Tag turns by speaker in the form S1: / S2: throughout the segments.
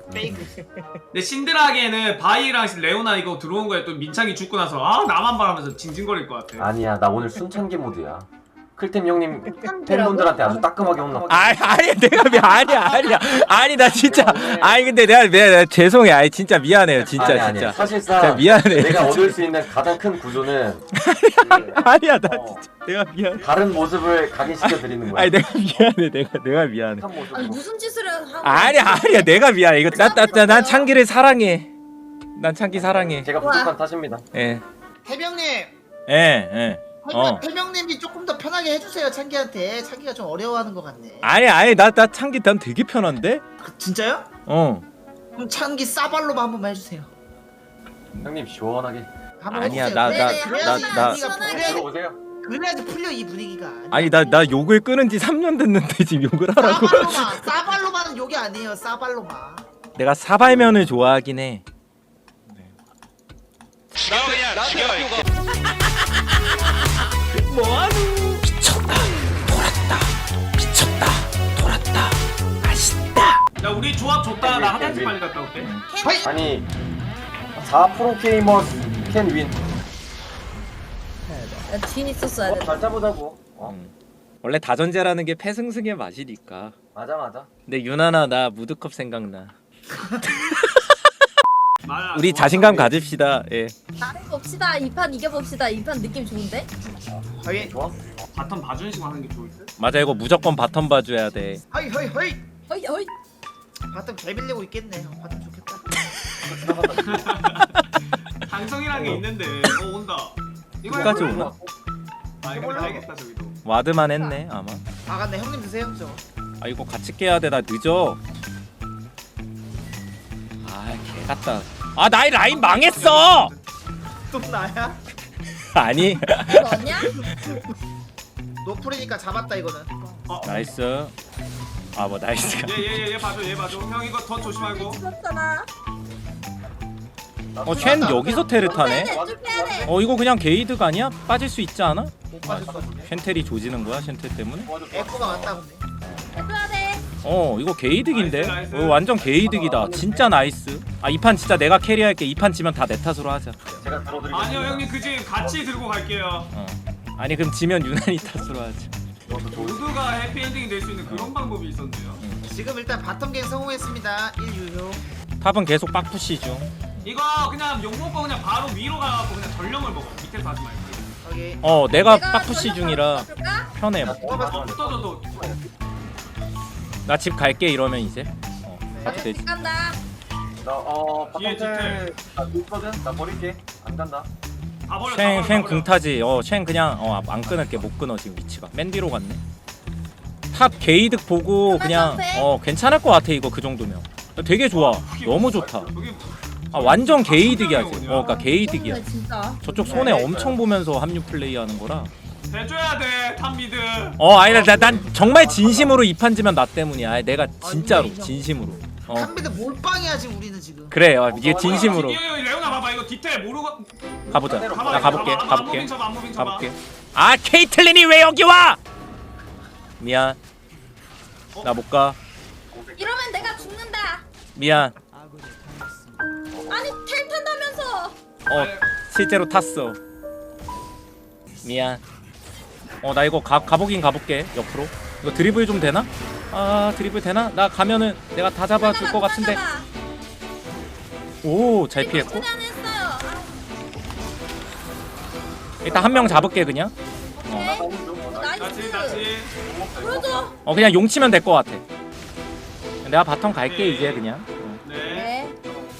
S1: 페이크.
S2: 근데 신드라기에는 바이랑 레오나 이거 들어온 거에 또 민창이 죽고 나서 아 나만 바라면서 징징거릴 것 같아.
S3: 아니야 나 오늘 순천기 모드야. 클템 형님 팬분들한테 아주 따끔하게 혼나.
S4: 아니 내가 아니 나 진짜 아니 근데 내가 죄송해. 아니 진짜 미안해요. 진짜
S3: 아니,
S4: 진짜.
S3: 사실상
S4: 진짜 미안해.
S3: 내가 얻을 수 있는 가장 큰 구조는
S4: 아니야 나 진짜 내가 미안해.
S3: 다른 모습을 각인시켜 드리는 거야.
S4: 아니 내가 미안해. 내가 미안해.
S3: 한 모습으로.
S5: 아니 무슨 짓을 하고
S4: 아니야 내가 미안해. 이거 난 창기를 사랑해. 난 창기 사랑해.
S3: 제가 부족한 탓입니다.
S4: 예.
S1: 해병님.
S4: 예.
S1: 해병님이 조금 더 편하게 해주세요 창기한테. 창기가 좀 어려워하는 것 같네.
S4: 아니 나 창기 난 되게 편한데?
S1: 진짜요? 그럼 창기 싸발로만 한 번만 해주세요.
S3: 형님 시원하게
S1: 한번
S4: 아니야,
S1: 해주세요.
S4: 나
S3: 들어오세요.
S1: 그래야지 풀려 이 분위기가.
S4: 아니 나 욕을 끊은 지 3년 됐는데 지금 욕을 하라고.
S1: 싸발로만은 욕이 아니에요. 싸발로만.
S4: 내가 사발면을 좋아하긴 해. 뭐하노? 미쳤다 돌았다 맛있다.
S2: 야 우리 조합 좋다. 나 화장실 빨리 갔다 올게.
S3: 아니 4프로 게이머스 캔 윈.
S5: 뒤에 있었어야 돼.
S3: 잘 짜보자고.
S4: 원래 다전제라는 게 패승승의 맛이니까.
S3: 맞아.
S4: 근데 유나나 나 무드컵 생각나.
S2: 말아,
S4: 우리
S2: 좋아.
S4: 자신감 가집시다. 예.
S5: 잘해봅시다. 2판 이겨봅시다. 2판 느낌 좋은데?
S1: 허이
S3: 좋아?
S2: 바텀 봐주는 식으로 하는 게 좋을 듯.
S4: 맞아 이거 무조건 바텀 봐줘야 돼.
S1: 허이.
S5: 허이.
S1: 바텀 개 빌리고 있겠네. 바텀 좋겠다.
S2: 방송이란 게 있는데. 온다. 이거
S4: 끝까지
S2: 해볼래?
S4: 오나?
S2: 아 이거 알겠다 저기도.
S4: 와드만 했네 아마.
S1: 나갔네. 형님 드세요 저거.
S4: 아 이거 같이 깨야 돼. 나 늦어. 아 개같다. 아 나의 라인 망했어.
S1: 또 나야?
S4: 아니.
S5: 너냐?
S1: 노플이니까 잡았다 이거는.
S4: 나이스. 아 뭐 나이스가.
S2: 얘 봐줘 얘 봐줘. 형 이거 더 조심하고.
S5: 죽었잖아.
S4: 쉔 여기서 테르 타네.
S5: 쭉 해야 돼.
S4: 이거 그냥 게이드가 아니야? 빠질 수 있지 않아?
S1: 못 빠졌어.
S4: 쉔텔이 조지는 거야 쉔텔 때문에?
S1: 에코가 왔다 근데.
S5: 해줘야 돼.
S4: 이거 게이득인데?
S2: 나이스.
S4: 완전 게이득이다. 진짜 나이스. 아 이 판 진짜 내가 캐리할게. 이 판 지면 다 내 탓으로 하자.
S3: 제가 들어드리겠습니다.
S2: 아니요 형님 그지 같이 들고 갈게요.
S4: 아니 그럼 지면 유난히 탓으로 하자.
S2: 모두가 해피엔딩이 될 수 있는 그런 방법이 있었네요.
S1: 지금 일단 바텀 갱 성공했습니다. 1유효.
S4: 탑은 계속 빡푸시 중.
S2: 이거 그냥 욕 먹고 그냥 바로 위로 가갖고 그냥 전령을 먹어. 밑에서 하지 말고.
S1: 오케이.
S4: 내가 빡푸시
S5: 전력
S4: 중이라
S5: 바로 바꿀까?
S4: 편해.
S2: 붙어줘도
S4: 나 집 갈게 이러면 이제. 가도 되지.
S5: 집 간다.
S2: 뒤에
S3: 바텀텔 있거든? 나 버릴게. 안 간다.
S2: 다 버려.
S4: 쉔 궁타지. 쉔 그냥 안 끊을게. 못 끊어 지금 위치가. 맨 뒤로 갔네. 탑 게이득 보고 그냥 괜찮을 것 같아 이거 그 정도면. 되게 좋아. 너무 좋다. 완전 게이득이야 지금. 그러니까 게이득이야.
S5: 진짜.
S4: 저쪽 손해 엄청 보면서 합류 플레이하는 거라.
S2: 해줘야 돼 탑미드.
S4: 아니 난 정말 진심으로 이 판 지면 나 때문이야. 아니, 내가 진짜로 진심으로.
S1: 탑미드 몰빵이야 지금 우리는 지금.
S4: 그래. 이게 진심으로.
S2: 레오나 봐봐 이거 디테일 모르고.
S4: 가보자. 나 가볼게.
S2: 안무빙 잡아.
S4: 가볼게. 아 케이틀린이 왜 여기 와? 미안. 나 못 가.
S5: 이러면 내가 죽는다.
S4: 미안.
S5: 아니 텔 탄다면서.
S4: 실제로 탔어. 미안. 나 이거 가보긴 가볼게. 옆으로. 이거 드리블 좀 되나? 드리블 되나? 나 가면은 내가 다 잡아줄 것 같은데. 오, 잘 피했고.
S5: 최대한 했어요.
S4: 일단 한 명 잡을게 그냥.
S5: 나이스.
S2: 다시.
S5: 보여줘.
S4: 그냥 용 치면 될 것 같아. 내가 바텀 갈게 이제 그냥.
S2: 네.
S5: 네.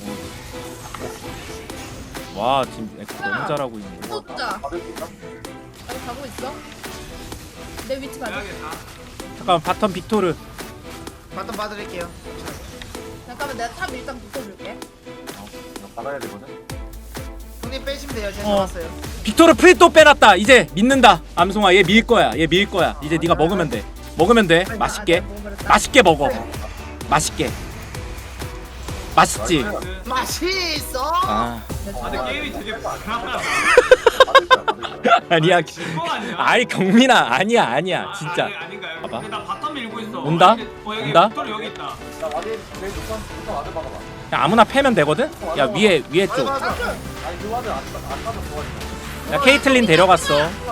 S4: 와 지금 에코 너무 잘하고 있네.
S5: 진짜. 여기 가고 있어. 내 위치 봐줘.
S2: 해야겠다.
S4: 잠깐 바텀 빅토르.
S1: 바텀 봐드릴게요.
S5: 잠깐만 내가 탑 일단 붙여줄게.
S3: 받아야 되거든.
S1: 형님 빼시면 돼요. 제가 잡았어요.
S4: 빅토르 프리또 빼놨다. 이제 믿는다. 암송아 얘 밀 거야. 얘 밀 거야. 이제 네가 먹으면 돼. 먹으면 돼. 맛있게. 맛있게 먹어. 맛있게. 맛있지?
S1: 맛있어.
S4: 아
S2: 근데 게임이 되게 불안하다.
S4: 아니야
S2: 이거 아니야?
S4: 아이 경민아 아니야 진짜
S2: 아닌가요?
S4: 봐봐.
S2: 근데 나 바텀 밀고 있어.
S4: 온다?
S2: 여기
S4: 온다?
S2: 빅토르 여기 있다.
S3: 나 와드 제일 높아. 우선 와드 박아봐.
S4: 야 아무나 패면 되거든? 야 위에
S1: 맞아, 맞아.
S3: 아니 그 와드 안 가서 좋아했어.
S4: 쪽야 케이틀린 데려갔어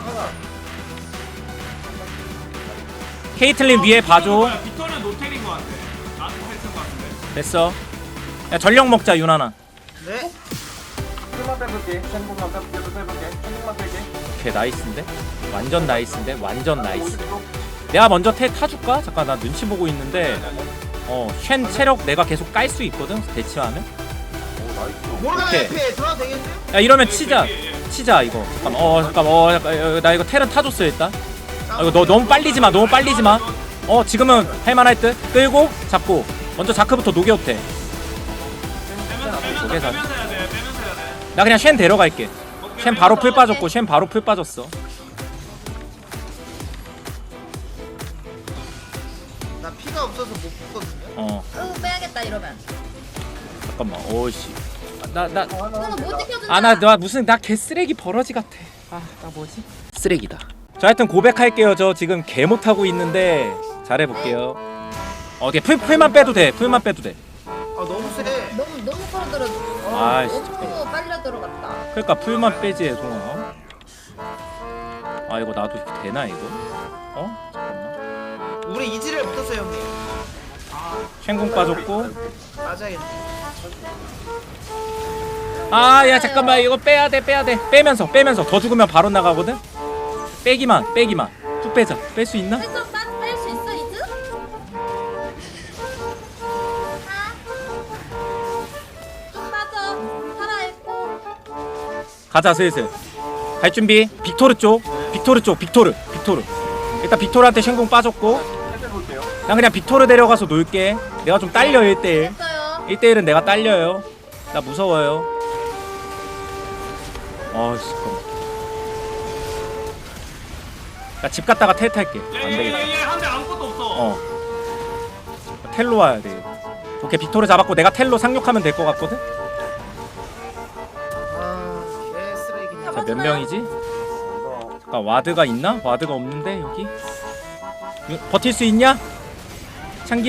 S4: 케이틀린 위에 봐줘
S2: 빅토르는 노텔인 것 같아. 나한테 텔인 것 같은데.
S4: 됐어 야 전력 먹자 윤하나
S1: 네.
S3: 풀만 빼볼게. 쉔국만 빼볼게. 쉔국만 뺄게.
S4: 오케이 나이스인데? 완전 나이스인데? 완전 나이스 내가 먼저 태 타줄까? 잠깐 나 눈치 보고 있는데 쉔 체력 내가 계속 깔 수 있거든? 대치하면
S3: 오 나이스.
S1: 모르가나
S4: 오케이.
S1: 옆에 들어가도 되겠는데요?
S4: 야 이러면 치자 이거 잠깐 나 이거 텔은 타줬어 일단 이거 너 너무 빨리지마 지금은 할만할 듯 끌고 잡고 먼저 자크부터 녹여도 돼나
S2: 빼면서 해야 돼.
S4: 그냥 쉔 데려갈게 쉔 바로 풀 빠졌고 쉔 바로 풀 빠졌어
S1: 나 피가 없어서 못 붙거든요.
S5: 빼야겠다 이러면.
S4: 잠깐만 오씨 나
S5: 그거는 못 지켜준다.
S4: 나 무슨 나 개쓰레기 버러지 같아 나 뭐지? 쓰레기다 저 하여튼 고백할게요 저 지금 개 못하고 있는데 잘해볼게요 오케이 풀만 빼도 돼
S1: 아 너무 세.
S5: 너무 끌어들어.
S4: 아이씨,
S5: 너무 빨려 들어갔다.
S4: 그러니까 풀만 빼지 애송아 아 이거 나도 이렇게 되나 이거? 잠깐만
S1: 우리 이지를 붙었어요 형님.
S4: 쉔궁 빠졌고
S1: 맞아야겠네.
S4: 아 야 잠깐만 이거 빼야돼 빼면서 더 죽으면 바로 나가거든? 빼기만 쭉 빼자 뺄 수 있나?
S5: 뺄수 있어 이즈? 좀 빠져. 살아있고.
S4: 가자 슬슬 갈 준비 빅토르 일단 빅토르한테 쉔궁 빠졌고
S3: 해볼게요.
S4: 난 그냥 빅토르 데려가서 놀게 내가 좀 딸려 1대1
S5: 됐어요.
S4: 1대1은 내가 딸려요 나 무서워요 아씨 나 집 갔다가 텔 탈게 안되겠다
S2: 얘한대 아무것도 없어.
S4: 텔로 와야 돼 오케이 빅토르 잡았고 내가 텔로 상륙하면 될 것 같거든?
S1: 아 개쓰레기네.
S4: 자 몇 명이지?
S3: 이거
S4: 잠깐 와드가 있나? 와드가 없는데 여기? 버틸 수 있냐? 창기야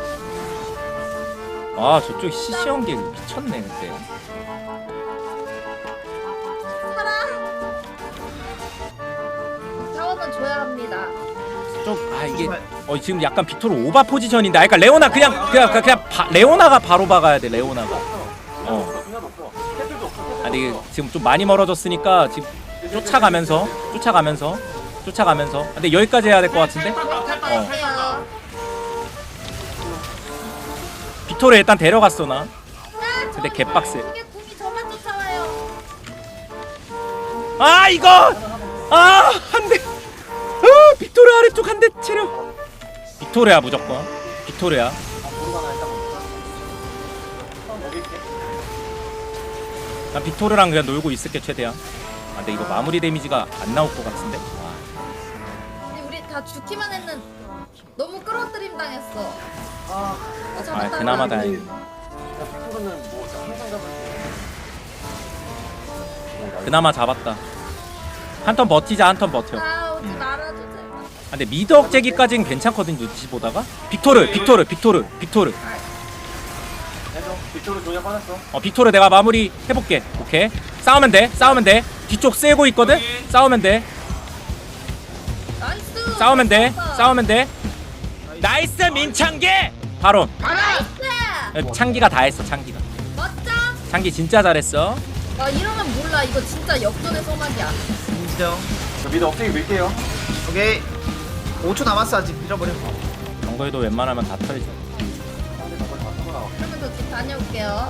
S4: 아 저쪽 시시한 게 미쳤네 그때
S5: 살아. 자원은 줘야 합니다.
S4: 이게 지금 약간 빅토르 오바 포지션인데 그러니까 레오나 그냥 레오나가 바로 박아야 돼 레오나가
S3: 그냥 없어. 캐틀도 없어.
S4: 아니 이게 지금 좀 많이 멀어졌으니까 지금 쫓아가면서 근데 여기까지 해야 될 것 같은데?
S5: 갈게요.
S4: 빅토르 일단 데려갔어 나 근데 개빡세
S5: 이게 궁이 저만 쫓아와요.
S4: 아 이거 한대 빅토르 아래쪽 한 대 체력 빅토르야 무조건 빅토르야
S3: 모르가나 일단 여기 있게.
S4: 난 빅토르랑 그냥 놀고 있을게 최대한 근데 이거 마무리 데미지가 안 나올 것 같은데
S5: 근데 우리 다 죽기만 했는. 너무 끌어들임 당했어. 잡았다.
S4: 그나마 다행이다
S3: 빅토르는 뭐 항상 잡을
S4: 그나마 잡았다 한 턴 버티자 한 턴 버텨
S5: 오지 말아줘 제발.
S4: 근데 미드 억제기까지는 괜찮거든 눈치 보다가 빅토르
S3: 해줘. 빅토르 조냐 빠졌어.
S4: 빅토르 내가 마무리 해볼게 오케이 싸우면 돼 뒤쪽 세고 있거든 싸우면 돼
S5: 나이스.
S4: 싸우면 돼 나이스 민창기 바로
S5: 나이스.
S4: 창기가 다 했어 창기가
S5: 멋져.
S4: 창기 진짜 잘했어
S5: 이러면 몰라. 이거 진짜 역전의 소막이야.
S1: 인정.
S3: 저 미드 억제기 밀게요.
S1: 오케이. 5초 남았어 아직 밀어버려.
S4: 정거에도 웬만하면 다 털죠
S3: 상대 저걸 다 쓰고 나와.
S5: 그러면 저 집 다녀올게요.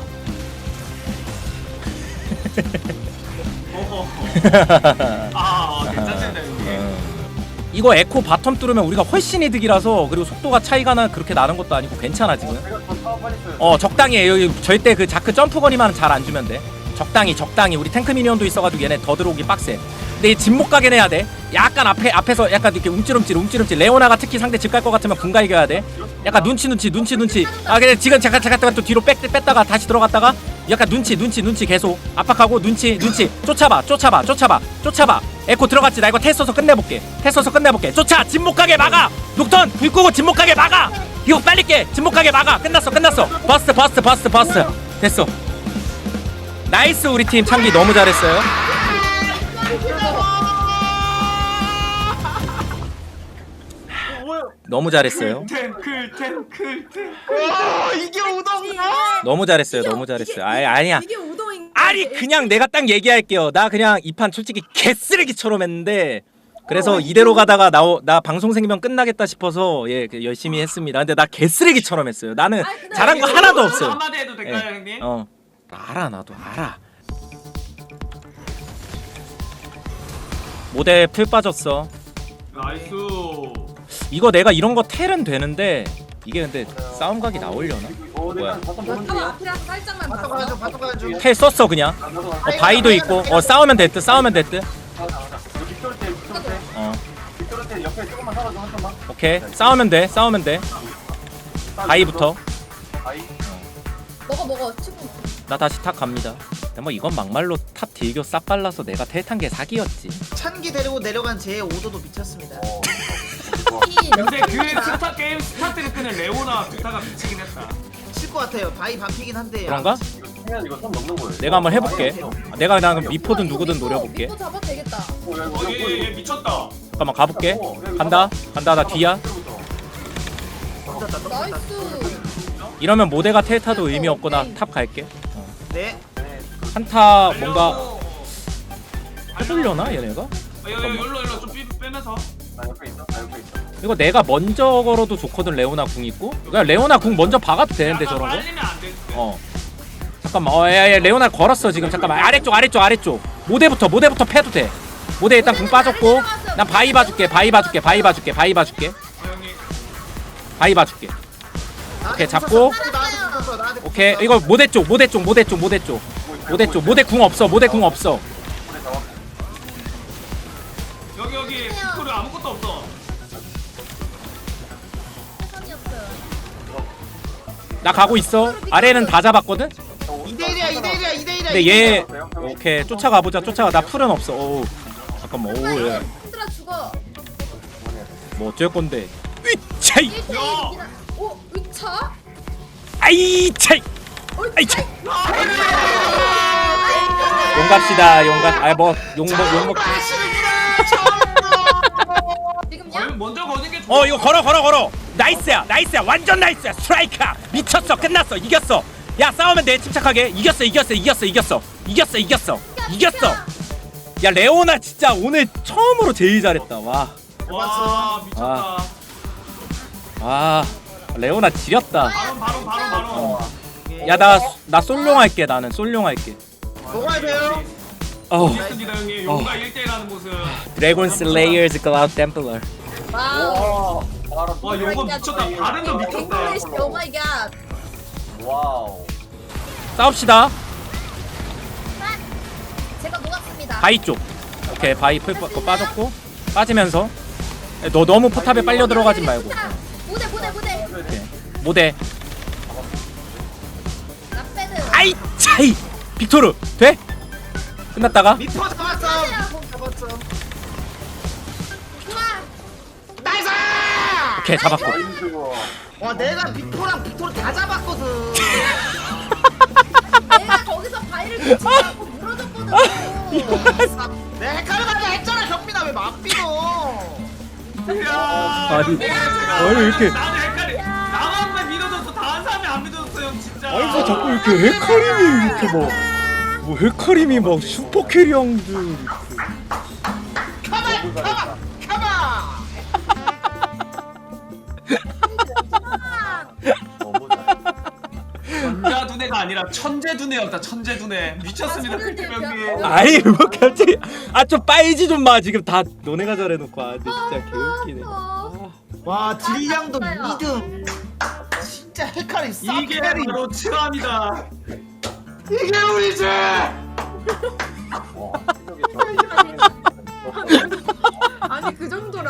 S2: 괜찮습니다 여기.
S4: 이거 에코 바텀 뚫으면 우리가 훨씬 이득이라서 그리고 속도가 차이가 그렇게 나는 것도 아니고 괜찮아 지금
S3: 제가 더 사업 빨리 써요.
S4: 적당히 해. 여기 절대 그 자크 점프 거리만 잘 안 주면 돼 적당히 우리 탱크 미니언도 있어가지고 얘네 더 들어오기 빡세 근데 집 못 가게 해야 돼. 약간 앞에서 약간 이렇게 움찔움찔. 레오나가 특히 상대 집 갈 것 같으면 분가 이겨야 돼. 약간 눈치. 아 근데 지금 잠깐 또 뒤로 뺐다가 다시 들어갔다가 약간 눈치 계속 압박하고 눈치. 쫓아봐. 에코 들어갔지. 나 이거 텔 써서 끝내볼게. 쫓아. 집 못 가게 막아. 녹턴 불 끄고 집 못 가게 막아. 이거 빨리 깨. 집 못 가게 막아. 끝났어. 버스트. 됐어. 나이스 우리 팀 창기 너무 잘했어요. 너무 잘했어요.
S2: 탱클.
S1: 이게 우동이야?
S4: 너무 잘했어요. 아니야.
S5: 이게 우동인
S4: 아니 그냥 내가 딱 얘기할게요. 나 그냥 이 판 솔직히 개쓰레기처럼 했는데 그래서 이대로 가다가 나 방송 생기면 끝나겠다 싶어서 그 열심히 했습니다. 근데 나 개쓰레기처럼 했어요. 나는 잘한 거 하나도 없어요.
S2: 한마디 해도 될까요, 형님?
S4: 알아 나도 알아. 모델 풀 빠졌어.
S2: 나이스.
S4: 이거 내가 이런 거 텔은 되는데 이게 근데 싸움 각이 나오려나? 뭐야?
S5: 탑 앞이라서 살짝만
S1: 바텀
S5: 봤어.
S1: 가야죠.
S4: 텔 썼어 그냥. 바이도 있고. 싸우면 됐듯.
S3: 빅토르한테 옆에 조금만 살아줘 한 번만.
S4: 오케이. 싸우면 돼. 바이부터.
S3: 바이.
S5: 먹어 치고.
S4: 나 다시 탑 갑니다. 근데 뭐 이건 막말로 탑 딜교 싹 발라서 내가 텔 탄 게 사기였지.
S1: 찬기 데리고 내려간 제 오도도 미쳤습니다.
S2: 근데 그 게임 스타트를 끄는 레오나 부타가 미치긴 했다.
S1: 칠 것 같아요. 바이 반피긴 한데.
S4: 그런가?
S3: 이거 선 넘는 거예요.
S4: 내가 한번 해볼게. 내가 그냥 미포든 누구든 노려볼게.
S5: 미포 잡아도 되겠다.
S2: 얘 미쳤다.
S4: 잠깐만 가볼게. 간다. 나 뒤야.
S5: 나이스.
S4: 이러면 모대가 텔 타도 의미 없고 나 탑 갈게.
S1: 네.
S4: 한타 뭔가 해보려나 얘네가?
S2: 여기로 좀 빼면서.
S3: 나 옆에 있어.
S4: 이거 내가 먼저 걸어도 좋거든. 레오나 궁 있고. 그냥 레오나 궁 먼저 박아도 되는데 저런 거.
S2: 빨리면 안 돼.
S4: 잠깐만. 야, 레오나 걸었어 지금. 잠깐만. 아래쪽. 모대부터 패도 돼. 모대 일단 궁 빠졌고. 난 바이 봐줄게. 바이 봐줄게. 오케이 잡고. 오케이 이거 모대 쪽. 모대 궁 없어.
S2: 여기 빅토르 아무것도 없어.
S5: 세상이 없어요.
S4: 나 가고 있어. 아래는 다 잡았거든.
S1: 2대1이야.
S4: 근데 얘 오케이 쫓아가. 나 풀은 없어. 오 잠깐만. 오
S5: 힘들어 죽어.
S4: 뭐 어쩔 건데. 으차이.
S5: 1대1 이긴 오 의차?
S4: 아이 차이. 아이 차이.
S5: 아,
S4: 용 갑시다. 용
S5: 지금요?
S2: 먼저 거는 게 좋아.
S4: 이거 걸어. 나이스야. 완전 나이스야. 스트라이크야. 미쳤어. 끝났어. 이겼어. 야 싸우면 돼. 침착하게. 이겼어. 야 레오나 진짜 오늘 처음으로 제일 잘했다. 와
S2: 미쳤다.
S4: 레오나 지렸다.
S2: 바로.
S4: 야 나 솔룡 할게. 나는 솔룡 할게.
S1: 먹어야 돼요.
S2: 좋습니다 형님. 용과 1대1 하는 모습.
S4: 드래곤 슬레이어즈 클라우드 템플러.
S5: 와우.
S2: 와 용거 미쳤다. 발음도 미쳤다.
S5: 잉글리시 오 마이 갓.
S3: 와우.
S4: 싸웁시다.
S5: 제가 녹았습니다.
S4: 바이 쪽. 오케이 바이 풀 빠졌고 빠지면서 너 너무 포탑에 빨려 들어가지 말고.
S5: 무대.
S4: 오케이. 모대.
S5: 나패드.
S4: 아이 차이. 빅토르 돼? 끝났다가
S1: 미포 잡았어. 나이스!
S4: 오케이 잡았고.
S1: 와 내가 미포랑 빅토르 다 잡았거든.
S5: 내가 거기서 바위를 붙이라고 물어줬거든.
S1: 내가 헷갈려가지고 했잖아. 경민아 왜 막비노?
S4: 아니 왜 이렇게
S2: 나는 헷갈려. 나만 믿어줬어. 다른 사람이 안 믿어줬어 형 진짜.
S4: 뭐 자꾸 이렇게 헤카림이 이렇게 뭐 헤카림이 막 슈퍼 캐리형들
S1: 가만.
S3: 너무 잘.
S2: 전자 두뇌가 아니라 천재 두뇌였다. 천재 두뇌. 미쳤습니다. 그 형님.
S4: 아이 뭐 갑자기 좀 빠이지 좀 마. 지금 다 너네가 잘해놓고. 근데 진짜 개웃기네.
S1: 와 딜량도 2등. 진짜 헷갈리.
S2: 이게 바로 칠함이다.
S1: 이게 우리 죄.
S3: 와. 실력이 좋아.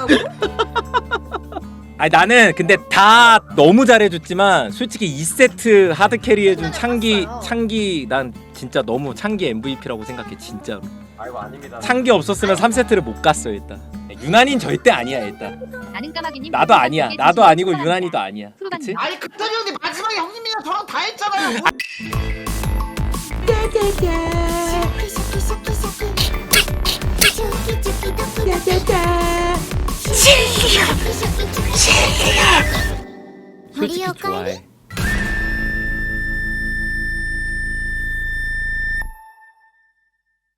S4: 아니 나는 근데 다 너무 잘해줬지만 솔직히 2세트 하드 캐리해준 창기 난 진짜 너무 창기 MVP라고 생각해 진짜로.
S3: 아이고 아닙니다.
S4: 창기 없었으면 3세트를 못 갔어 일단. 유난인 절대 아니야 일단. 나도 아니야. 나도 아니고 유난이도 아니야. 그치?
S1: 아니 그때는 형님 마지막에 형님이랑 저랑 다 했잖아요.
S4: 솔직히 좋아해.